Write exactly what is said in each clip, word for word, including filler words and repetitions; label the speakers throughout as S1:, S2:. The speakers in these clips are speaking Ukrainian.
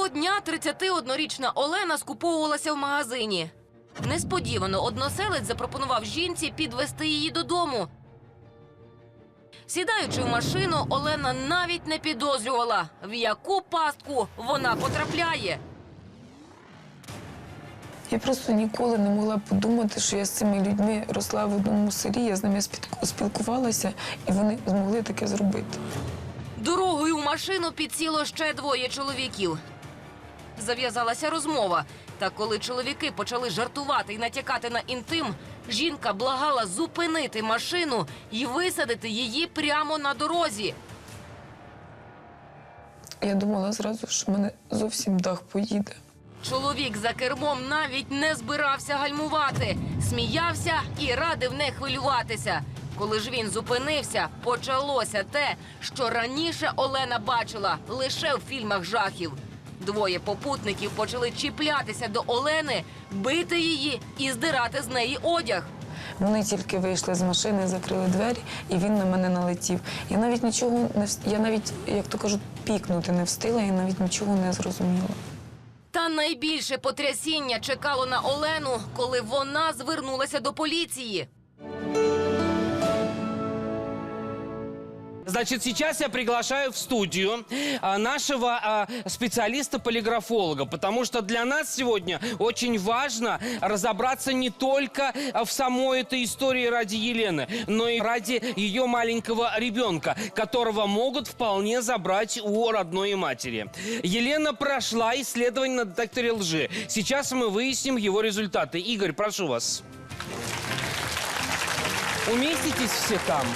S1: Того дня тридцятиоднорічна Олена скуповувалася в магазині. Несподівано односелець запропонував жінці підвести її додому. Сідаючи в машину, Олена навіть не підозрювала, в яку пастку вона потрапляє.
S2: Я просто ніколи не могла подумати, що я з цими людьми росла в одному селі, я з ними спілкувалася, і вони змогли таке зробити.
S1: Дорогою в машину підсіло ще двоє чоловіків. Зав'язалася розмова. Та коли чоловіки почали жартувати і натякати на інтим, жінка благала зупинити машину і висадити її прямо на дорозі.
S2: Я думала зразу, що в мене зовсім дах поїде.
S1: Чоловік за кермом навіть не збирався гальмувати. Сміявся і радив не хвилюватися. Коли ж він зупинився, почалося те, що раніше Олена бачила лише в фільмах жахів. Двоє попутників почали чіплятися до Олени, бити її і здирати з неї одяг.
S2: Вони тільки вийшли з машини, закрили двері, і він на мене налетів. Я навіть нічого не вс- я навіть, як то кажуть, пікнути не встигла, я навіть нічого не зрозуміла.
S1: Та найбільше потрясіння чекало на Олену, коли вона звернулася до поліції.
S3: Значит, сейчас я приглашаю в студию а, нашего а, специалиста-полиграфолога, потому что для нас сегодня очень важно разобраться не только а, в самой этой истории ради Елены, но и ради ее маленького ребенка, которого могут вполне забрать у родной матери. Елена прошла исследование на детекторе лжи. Сейчас мы выясним его результаты. Игорь, прошу вас. Уместитесь все там?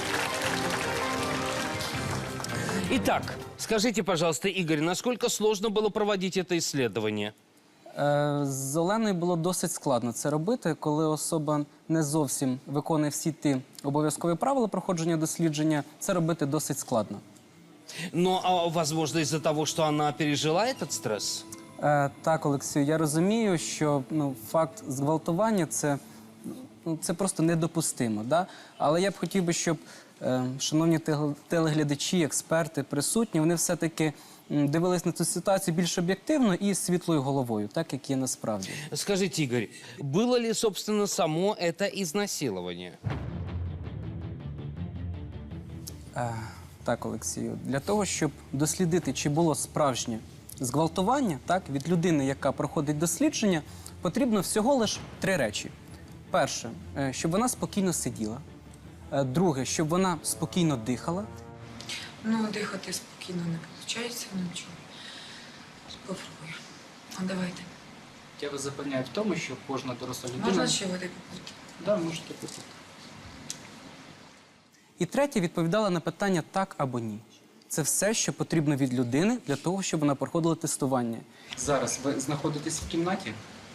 S3: Итак, скажите, пожалуйста, Игорь, насколько сложно было проводить это исследование?
S4: Е, З Оленою було досить складно це робити, коли особа не зовсім виконує всі ті обов'язкові правила проходження дослідження, це робити досить складно.
S3: Но, а, возможно, из-за того, что она пережила этот стресс?
S4: Е, Так, Олексію, я розумію, що ну, факт зґвалтування – це, ну, це просто недопустимо. Да? Але я б хотів би, щоб е, шановні теле- телеглядачі, експерти, присутні, вони все-таки м, дивились на цю ситуацію більш об'єктивно і світлою головою, так, як є насправді.
S3: Скажите, Игорь, было ли, собственно, само это изнасилование?
S4: Е, Так, Олексію, для того, щоб дослідити, чи було справжнє зґвалтування, так, від людини, яка проходить дослідження, потрібно всього лише три речі. Перше, е, щоб вона спокійно сиділа. Е, Друге, щоб вона спокійно дихала.
S2: Ну, дихати спокійно не виходить, нічого. Попробую. А давайте.
S5: Я вас запевняю в тому, що кожна доросла людина...
S2: Можна ще води попити?
S5: Да, можете попити.
S4: І третє, відповідала на питання «так» або «ні». Це все, що потрібно від людини для того, щоб вона проходила тестування.
S5: Зараз ви знаходитесь в кімнаті.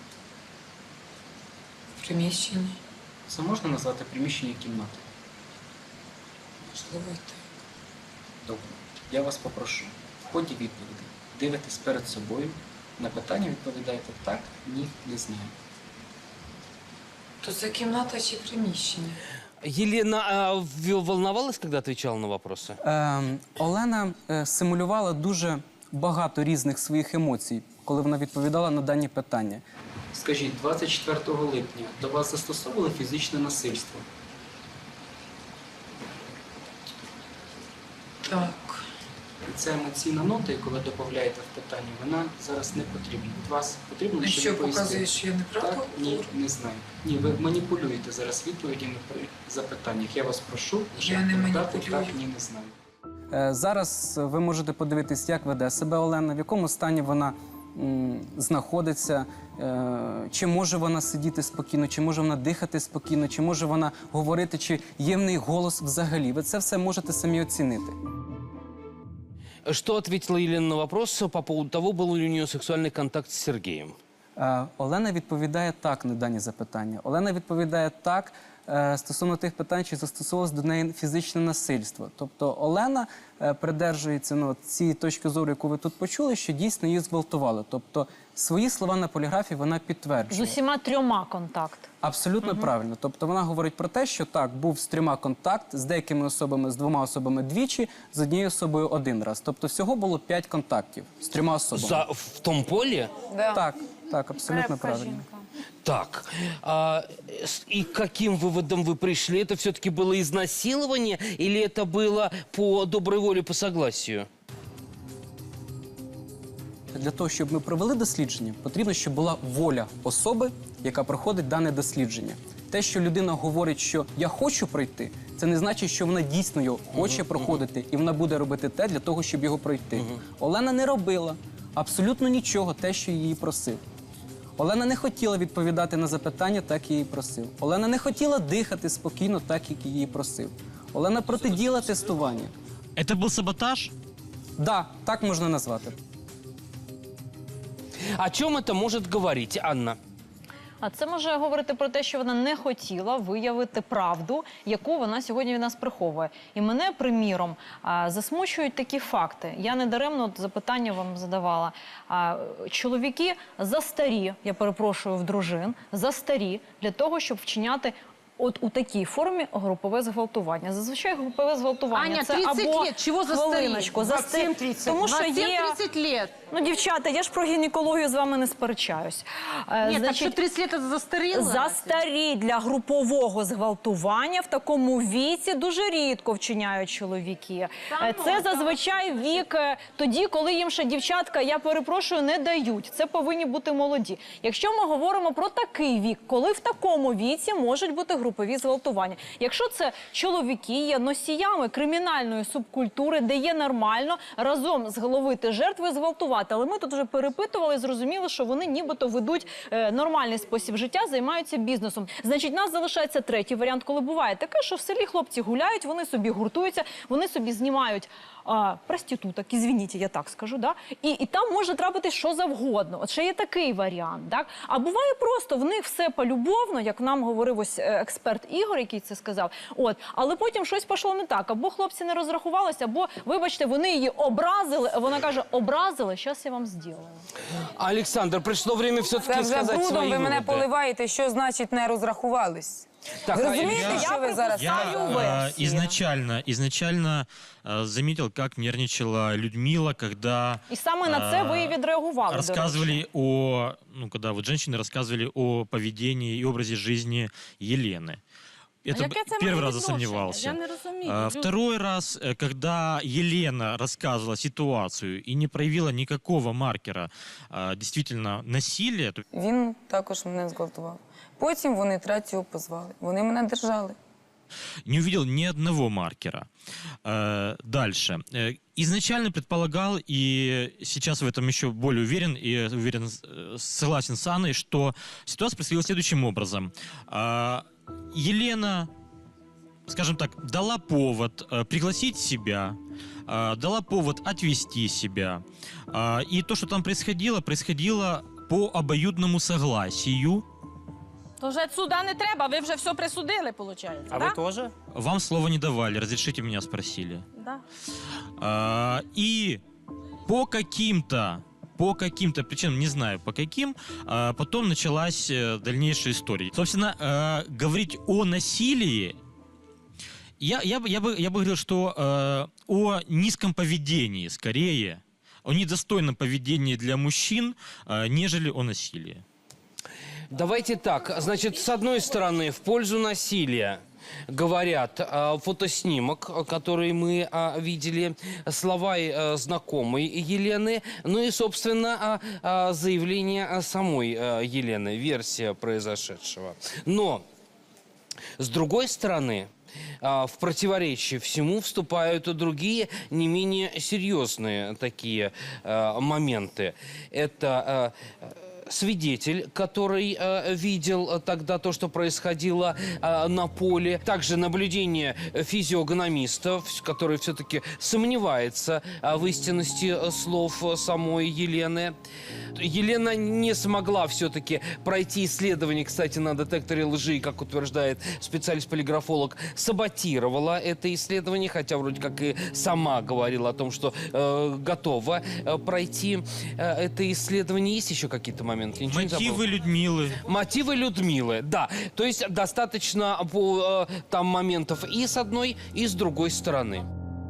S2: В приміщенні.
S5: Це можна назвати приміщення кімнати?
S2: Можливо, і так.
S5: Добре. Я вас попрошу. В ході відповіді дивитесь перед собою. На питання відповідаєте «так», «ні», «не знаю».
S2: То це кімната чи приміщення?
S3: Елена а, в- волновалась, когда отвечала на вопросы?
S4: Е, Олена е, симулювала дуже багато різних своїх емоцій, коли вона відповідала на дані питання.
S5: Скажіть, двадцять четвертого липня до вас застосовували фізичне насильство?
S2: Так.
S5: І ця емоційна нота, яку ви додаєте в питання, вона зараз не потрібна. Від вас потрібно
S2: І
S5: лише
S2: що
S5: відповісти.
S2: показує, що я неправду
S5: Так, ні,
S2: говорю?
S5: не знаю. Ні, ви маніпулюєте зараз відповідями при запитаннях. Я вас прошу лише
S2: Я не
S5: відповідати
S2: маніпулюю.
S5: «так», «ні», «не знаю».
S4: Е, Зараз ви можете подивитись, як веде себе Олена, в якому стані вона м, знаходиться, е, чи може вона сидіти спокійно, чи може вона дихати спокійно, чи може вона говорити, чи є в неї голос взагалі. Ви це все можете самі оцінити.
S3: Что ответила Елена на вопрос по поводу того, был ли у нее сексуальный контакт с Сергеем?
S4: Е, Олена відповідає так на дані запитання. Олена відповідає так е, стосовно тих питань, чи застосовувалось до неї фізичне насильство. Тобто Олена е, придержується ну, цієї точки зору, яку ви тут почули, що дійсно її зґвалтували. Тобто свої слова на поліграфі вона
S6: З
S4: підтверджує.
S6: усіма трьома контакт.
S4: Абсолютно правильно. Тобто вона говорить про те, що так, був з трьома контакт, з деякими особами, з двома особами двічі, з однією особою один раз. Тобто всього було п'ять контактів з трьома особами.
S3: За, в том поле?
S4: Так, так, абсолютно правильно.
S3: Так, а, с- и к каким выводам вы пришли? Это все-таки было изнасилование или это было по доброй воле, по согласию?
S4: Для того, щоб ми провели дослідження, потрібно, щоб була воля особи, яка проходить дане дослідження. Те, що людина говорить, що я хочу пройти, це не значить, що вона дійсно його хоче проходити, і вона буде робити те для того, щоб його пройти. Олена не робила абсолютно нічого, те, що її просив. Олена не хотіла відповідати на запитання, так як її просив. Олена не хотіла дихати спокійно, так як її просив. Олена протидіяла тестуванню.
S7: Это был саботаж?
S4: Да, так можна назвати.
S3: О чем это может говорить, Анна?
S6: А це може говорити про те, що вона не хотіла виявити правду, яку вона сьогодні від нас приховує. І мене, приміром, а, засмучують такі факти. Я недаремно от запитання вам задавала. А, Чоловіки застарі, я перепрошую, в дружин, застарі для того, щоб вчиняти от у такій формі групове зґвалтування. Зазвичай групове зґвалтування
S1: Аня,
S6: це
S1: тридцать
S6: або
S1: лет, чего застарі?
S6: хвилиночку, застарі.
S1: двадцять сім тридцять.
S6: Тому що є...
S1: двадцять лет.
S6: Ну, дівчата, я ж про гінекологію з вами не сперечаюсь. Е,
S1: Нет, так что тридцать лет это застарело?
S6: Застарі для групового зґвалтування в такому віці дуже рідко вчиняють чоловіки.
S1: Та
S6: Е,
S1: ну,
S6: Це
S1: та.
S6: зазвичай вік е, тоді, коли їм ще дівчатка, я перепрошую, не дають. Це повинні бути молоді. Якщо ми говоримо про такий вік, коли в такому віці можуть бути групові зґвалтування. Якщо це чоловіки є носіями кримінальної субкультури, де є нормально разом зголовити жертву і зґвалтувати. Але ми тут вже перепитували і зрозуміли, що вони нібито ведуть е, нормальний спосіб життя, займаються бізнесом. Значить, нас залишається третій варіант, коли буває таке, що в селі хлопці гуляють, вони собі гуртуються, вони собі знімають а, проституток, ізвініть, я так скажу, да? і, і там може трапитись що завгодно. От ще є такий варіант. Так? А буває просто, в них все полюбовно, як нам говорив ось е, експерт Ігор, який це сказав, от, але потім щось пішло не так, або хлопці не розрахувалися, або, вибачте, вони її образили, вона каже, образили, зараз я вам зроблю.
S3: Александр, пришло время
S2: Це
S3: все-таки
S2: вже
S3: сказать
S2: брудом
S3: свои
S2: ви мене
S3: выводы.
S2: поливаєте, що значить не розрахувались.
S3: Так,
S2: Ви
S3: а
S2: розумієте,
S7: я-
S2: що ви зараз
S7: Я
S2: сказали?
S6: Свою
S7: э,
S6: версию.
S7: изначально, изначально э, заметил, как нервничала Людмила, когда
S6: І саме на це ви і відреагували, до речі.
S7: рассказывали о, ну, когда вот женщины рассказывали о поведении и образе жизни Елены. Это
S8: яке це
S7: первый
S8: має
S7: раз
S8: відношення?
S7: засомневался.
S8: Я не розумію.
S7: А,
S8: Лю-
S7: Второй раз, э, когда Елена рассказывала ситуацию и не проявила никакого маркера а, действительно насилия, то
S2: Він також мене зґвалтував. Потім вони третього позвали. Вони мене держали.
S7: не увидел ни одного маркера. Э, Дальше. Э, Изначально предполагал, и сейчас в этом еще более уверен, и уверен, э, согласен с Анной, что ситуация происходила следующим образом. А, Елена, скажем так, дала повод э, пригласить себя, э, дала повод отвести себя. А, И то, что там происходило, происходило по обоюдному согласию.
S8: То вже суда не треба, ви вже все присудили, виходить.
S9: А
S8: да?
S9: вы тоже?
S7: Вам слова не давали, разрешите меня спросили.
S8: Да.
S7: А, И по каким-то по каким-то причинам, не знаю по каким, а, потом началась э, дальнейшая история. Собственно, э, говорить о насилии, я, я, бы, я, бы, я бы говорил, что э, о низком поведении скорее, о недостойном поведении для мужчин, э, нежели о насилии.
S3: Давайте так, значит, с одной стороны, в пользу насилия говорят а, фотоснимок, который мы а, видели, слова а, знакомой Елены, ну и, собственно, а, а, заявление а, самой а, Елены, версия произошедшего. Но, с другой стороны, а, в противоречие всему вступают и другие, не менее серьезные такие а, моменты. Это... а, свидетель, который э, видел э, тогда то, что происходило э, на поле. Также наблюдение физиогномистов, который все-таки сомневается э, в истинности э, слов э, самой Елены. Елена не смогла все-таки пройти исследование, кстати, на детекторе лжи, как утверждает специалист-полиграфолог, саботировала это исследование, хотя вроде как и сама говорила о том, что э, готова э, пройти э, это исследование. Есть еще какие-то моменты? Ничего не забыл?
S7: Мотивы Людмилы.
S3: Мотивы Людмилы, да. То есть достаточно по, э, там моментов и с одной, и с другой стороны.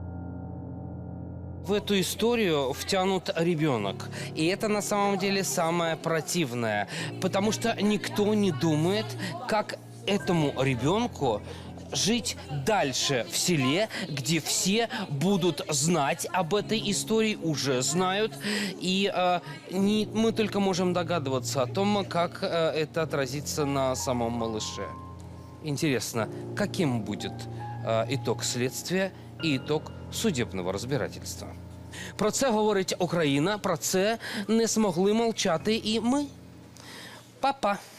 S3: В эту историю втянут ребенок. И это на самом деле самое противное. Потому что никто не думает, как этому ребенку жить дальше в селе, где все будут знать об этой истории, уже знают. И э, не, мы только можем догадываться о том, как э, это отразится на самом малыше. Интересно, каким будет е, ітог слідства і ітог судебного розбирательства. Про це говорить Україна, про це не змогли мовчати і ми. Па-па!